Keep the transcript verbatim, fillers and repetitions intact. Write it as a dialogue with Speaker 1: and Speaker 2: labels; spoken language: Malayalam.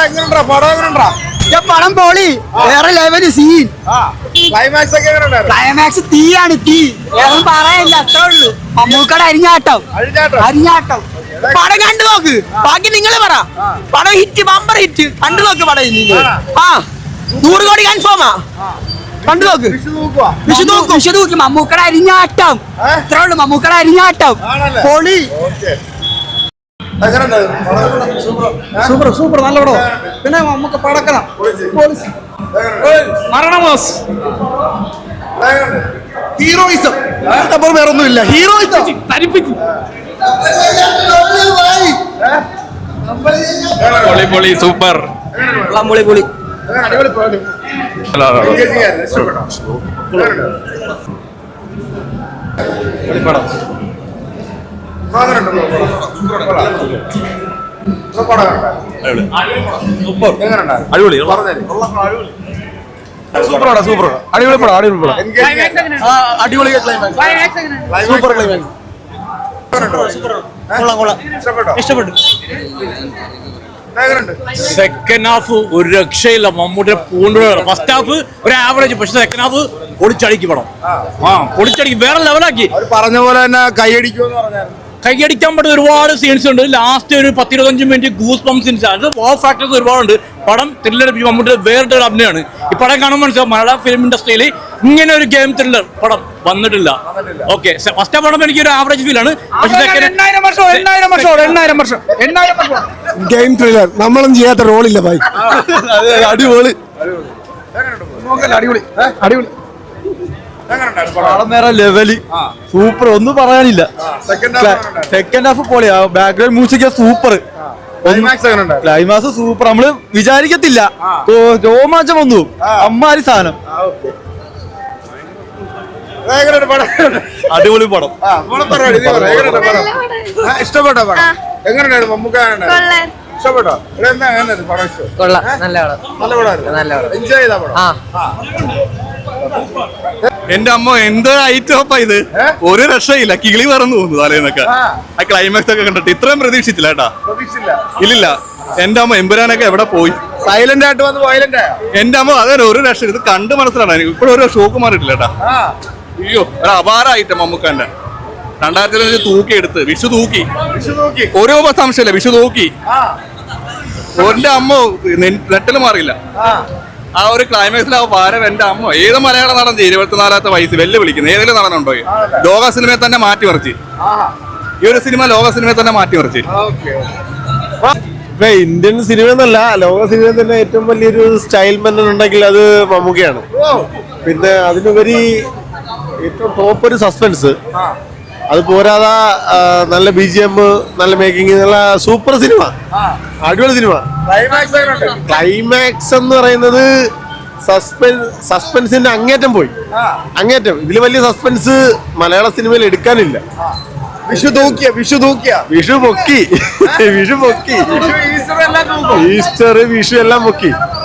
Speaker 1: പടം പൊളി, വേറെ ലെവല് സീൻ. ക്ലൈമാക്സ് തീയാണ്, തീ. വേറെ പറയാനില്ല, അത്രേ ഉള്ളൂ. മമ്മൂക്കടെ അരിഞ്ഞാട്ടം, അരിഞ്ഞാട്ടം. പടം കണ്ടു നോക്ക്, ബാക്കി നിങ്ങൾ പറ. പടം ഹിറ്റ്, ബമ്പർ ഹിറ്റ്. കണ്ടു നോക്ക് പടം. ആ നൂറ് കോടി കൺഫേമാ. കണ്ടു നോക്ക്, വിഷു നോക്കും, വിഷു നോക്കും. മമ്മൂക്കടെ അരിഞ്ഞാട്ടം, ഇത്രേ ഉള്ളൂ. മമ്മൂക്കടെ അരിഞ്ഞാട്ടം പൊളി.
Speaker 2: സൂപ്പർ സൂപ്പർ നല്ല പടം. പിന്നെ നമുക്ക് പടക്കണം മരണമാസ് ഹീറോയിസം വേറൊന്നുമില്ല. ഹീറോയിസം
Speaker 3: പൊളി പൊളി സൂപ്പർ
Speaker 1: പൊളി പൊളി.
Speaker 3: പടം അടിപൊളി
Speaker 2: സൂപ്പർ സൂപ്പർ അടിപൊളി പടം. അടിപൊളി പടം. അടിപൊളി സൂപ്പർ ക്ലൈമാക്സ്. ഇഷ്ടപ്പെട്ടു.
Speaker 3: സെക്കൻഡ് ഹാഫ് ഒരു രക്ഷയില്ല. മമ്മൂട്ടിയുടെ പൂണ്ട് ഫസ്റ്റ് ഹാഫ് ഒരു ആവറേജ്, പക്ഷെ സെക്കൻഡ് ഹാഫ് പൊളിച്ചടിക്ക് പടം. ആ പൊളിച്ചടിക്ക് വേറെ ലെവലാക്കി.
Speaker 4: പറഞ്ഞ പോലെ തന്നെ കൈയടിക്കുമെന്ന് പറഞ്ഞായിരുന്നു.
Speaker 3: കൈയടിക്കാൻ പറ്റുന്ന ഒരുപാട് സീൻസ് ഉണ്ട്. ലാസ്റ്റ് ഒരു പത്തിരുപത്തഞ്ച് മിനിറ്റ് ഗൂസ് പമ്പ് സീൻസ്. അത് വോ ഫാക്ടേഴ്സ് ഒരുപാടുണ്ട്. പടം ത്രില്ലർ, മമ്മൂട്ടിയുടെ വേറിട്ടൊരു അഭിനയമാണ്. ഈ പടം കാണുമ്പോൾ മനസ്സിലാവും മലയാള ഫിലിം ഇൻഡസ്ട്രിയിൽ ഇങ്ങനെ ഒരു ഗെയിം ത്രില്ലർ പടം വന്നിട്ടില്ല. ഓക്കെ, ഫസ്റ്റ് പടം എനിക്ക് ഒരു ആവറേജ് ഫീൽ ആണ്.
Speaker 2: ഗെയിം ത്രില്ലർ നമ്മളൊന്നും ചെയ്യാത്ത റോളില്ല ഭായി. അടിപൊളി അടിപൊളി അടിപൊളി. വേറെ ലെവല് സൂപ്പർ, ഒന്നും പറയാനില്ല. സെക്കൻഡ് ഹാഫ് പൊളിയാ. Background music super. Climax super. നമ്മള് വിചാരിക്കത്തില്ല, രോമാഞ്ചം വന്നു. അമ്മാരി സാധനം. അടിപൊളി പടം.
Speaker 4: ഇഷ്ടപ്പെട്ടോ പടം? എങ്ങനെയുണ്ടായിരുന്നു? മമ്മൂക്ക ഇഷ്ടപ്പെട്ടോ? എൻജോയ് ചെയ്താ പടം?
Speaker 2: എന്റെ അമ്മ എന്ത് ഐറ്റോപ്പാ ഇത്. ഒരു രക്ഷയില്ല, കിളി പറന്നു തോന്നുന്നു തലേന്നൊക്കെ. ആ ക്ലൈമാക്സ് ഒക്കെ കണ്ടിട്ട് ഇത്രയും പ്രതീക്ഷിച്ചില്ല കേട്ടാ. ഇല്ലില്ല. എന്റെ അമ്മ എമ്പുരാനൊക്കെ എവിടെ പോയി?
Speaker 4: സൈലന്റ് ആയിട്ട് വന്ന് വയലന്റ് ആയോ?
Speaker 2: എന്റെ അമ്മ അതെ ഒരു രക്ഷ. ഇത് കണ്ട് മനസ്സിലാണ് എനിക്ക്. ഇപ്പോഴും ഒരു ഷോക്ക് മാറിയിട്ടില്ല കേട്ടാ. അയ്യോ, ഒരു അപാരമായിട്ട് മമ്മൂക്കാന്റെ രണ്ടായിരത്തി അഞ്ച് തൂക്കി എടുത്ത് വിഷു തൂക്കി. ഓരോ സംശയമില്ല, വിഷു തൂക്കി. എന്റെ അമ്മ നെറ്റില് മാറിയില്ല. ആ ഒരു ക്ലൈമാക്സിൽ ആ ഭാരം എന്റെ അമ്മ. ഏത് മലയാള നടൻ ഇരുപത്തിനാലാമത്തെ വയസ്സ് വെല്ല് വിളിക്കുന്നത് ഏതെങ്കിലും നടനുണ്ടോ? ലോക സിനിമയെ തന്നെ മാറ്റിമറിച്ച്. ഈ ഒരു സിനിമ ലോക സിനിമയെ തന്നെ മാറ്റിമറിച്ച്.
Speaker 5: ഇപ്പൊ ഇന്ത്യൻ സിനിമ എന്നല്ല, ലോക സിനിമ തന്നെ ഏറ്റവും വലിയൊരു സ്റ്റൈൽ മെൻ ഉണ്ടെങ്കിൽ അത് മമ്മൂക്കയാണ്. പിന്നെ അതിനുപരി ഏറ്റവും ടോപ്പ് ഒരു സസ്പെൻസ്. അത് പോരാതെ നല്ല ബി ജി എം, നല്ല മേക്കിംഗ്, നല്ല സൂപ്പർ സിനിമ, അടിപൊളി സിനിമ. ക്ലൈമാക്സ് എന്ന് പറയുന്നത് സസ്പെൻസ് സസ്പെൻസിന്റെ അങ്ങേറ്റം പോയി. അങ്ങേറ്റം. ഇതിൽ വലിയ സസ്പെൻസ് മലയാള സിനിമയിൽ എടുക്കാനില്ല.
Speaker 4: വിഷു തൂക്കിയ വിഷു തൂക്കിയ
Speaker 5: വിഷു പൊക്കി. വിഷു പൊക്കി. ഈസ്റ്റർ, വിഷു എല്ലാം പൊക്കി.